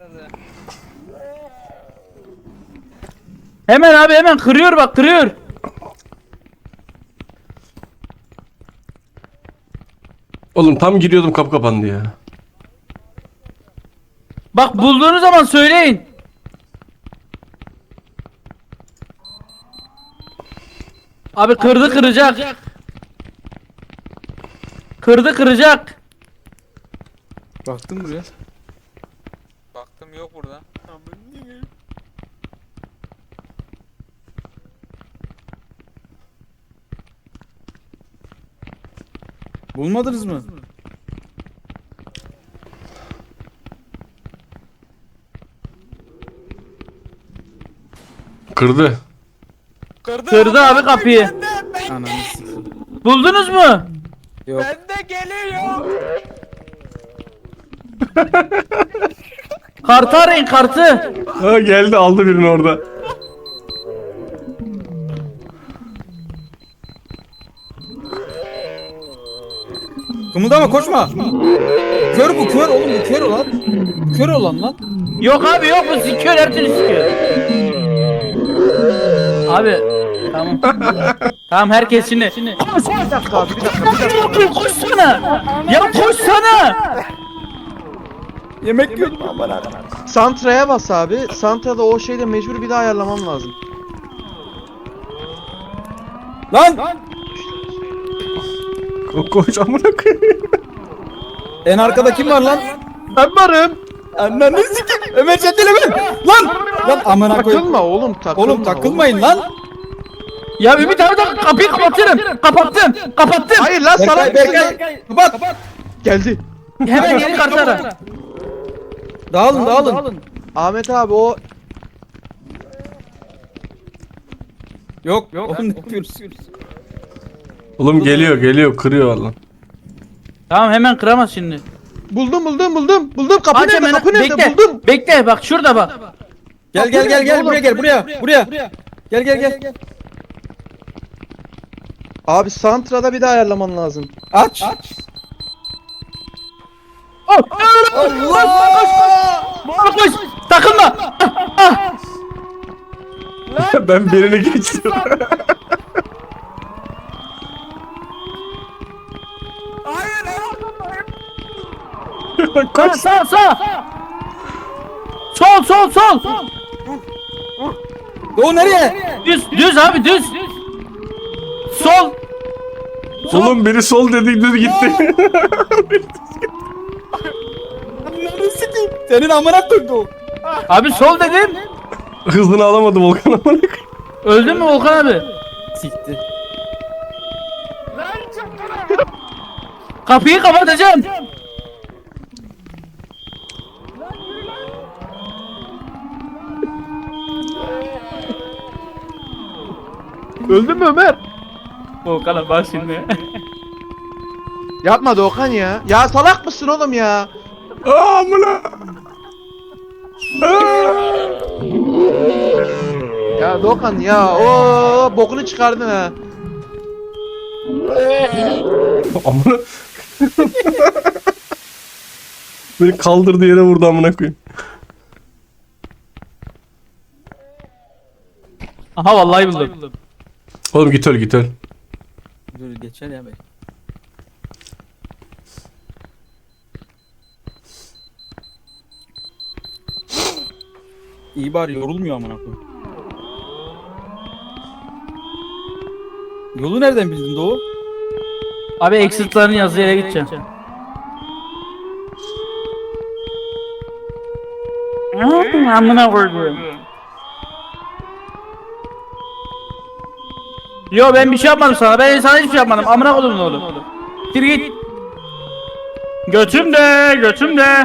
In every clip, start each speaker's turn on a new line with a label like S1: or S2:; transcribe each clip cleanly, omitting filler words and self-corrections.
S1: Hemen abi hemen kırıyor bak kırıyor.
S2: Oğlum tam giriyordum kapı kapandı ya.
S1: Bak bulduğunuz zaman söyleyin. Abi kırdı kıracak. Kırdı kıracak.
S3: Baktım buraya.
S4: Baktım yok burada.
S3: Bulmadınız mı?
S2: Kırdı.
S1: Kırdı abi kapıyı.
S3: Ananı sikeyim.
S1: Buldunuz mu?
S3: Yok.
S4: Bende geliyor.
S1: Kartı arayın kartı.
S2: Ha geldi aldı birini orada.
S3: Kımıldama koşma. Kör bu kör oğlum bu kör olan. Kör olan lan.
S1: Yok abi yok bu sikiyor her türlü sikiyor. Abi tamam. Tamam herkes şimdi.
S5: Bir dakika abi bir dakika.
S1: Koşsana. Ya koşsana.
S3: Yemek yiyordum ama.
S5: Santra'ya bas abi. Santra'da o şeyde mecbur bir daha ayarlamam lazım.
S3: Lan!
S2: Koş amına koyayım.
S3: En arkada kim var lan?
S5: Ben varım.
S3: Ananı sikeyim. Ömer çeteleme. Lan! Lan amına koyayım.
S5: Takılma oğlum takılma.
S3: Oğlum takılmayın lan.
S1: Ya Ümit abi de kapıyı kapatırım. Kapattım. Kapattım.
S5: Hayır lan salak
S3: Berkay. Kapat.
S5: geldi.
S1: Hemen yeni kartı ara.
S3: Dağılın.
S5: Ahmet abi o
S3: Yok. Oğlum ne yapıyoruz?
S2: Oğlum geliyor kırıyor lan.
S1: Tamam hemen kıramaz şimdi.
S5: buldum. Buldum kapı
S1: Aç
S5: nerede?
S1: hemen.
S5: Kapı nerede?
S1: Bekle.
S5: Buldum.
S1: Bekle bak şurada bak.
S3: Gel buraya. Gel.
S5: Abi Santra'da bir daha ayarlaman lazım.
S3: Aç.
S1: Allah! Koş. Takılma.
S2: Ben birini geçtim.
S1: Koş. Sağ. Sol.
S3: Doğu nereye?
S1: Düz abi düz. Sol.
S2: Oğlum biri sol dedi düz gitti.
S3: Ananı sikeyim. Senin amına koydu.
S1: Abi sol dedim.
S2: Hızını alamadı Volkan amına koyayım.
S1: Öldün mü Volkan abi?
S3: Sikti.
S1: Kapıyı kapatacağım.
S5: Öldün mü Ömer?
S1: Volkan abi bak şimdi.
S5: Yapma Doğukan ya. Ya salak mısın oğlum ya?
S2: Aa amına.
S5: Ya Doğukan ya o bokunu çıkardın ha.
S2: Amına. Beni kaldırdı yere vurdu amına koyayım.
S1: Aha vallahi buldum.
S2: Oğlum git öl.
S3: Dur geçer ya be. İyi bari yorulmuyor amına koyayım. Yolu nereden bildin Doğu?
S1: Abi exit'ların yazdığı yere gideceğim. Amına koyduğum. Yo ben bir şey yapmadım sana. Ben sana hiçbir şey yapmadım. Amına koydum ne oğlum. Gir git. Götümde.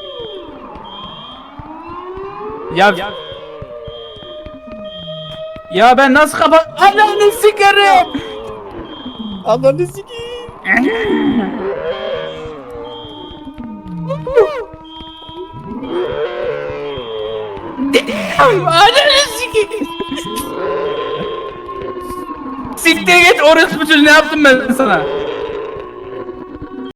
S1: Ya ben nasıl kapat... Ananı sikerim.
S3: Ananı sikeyim.
S1: Ananı sikeyim. Siktir git orospu çocuğu ne yaptım ben sana?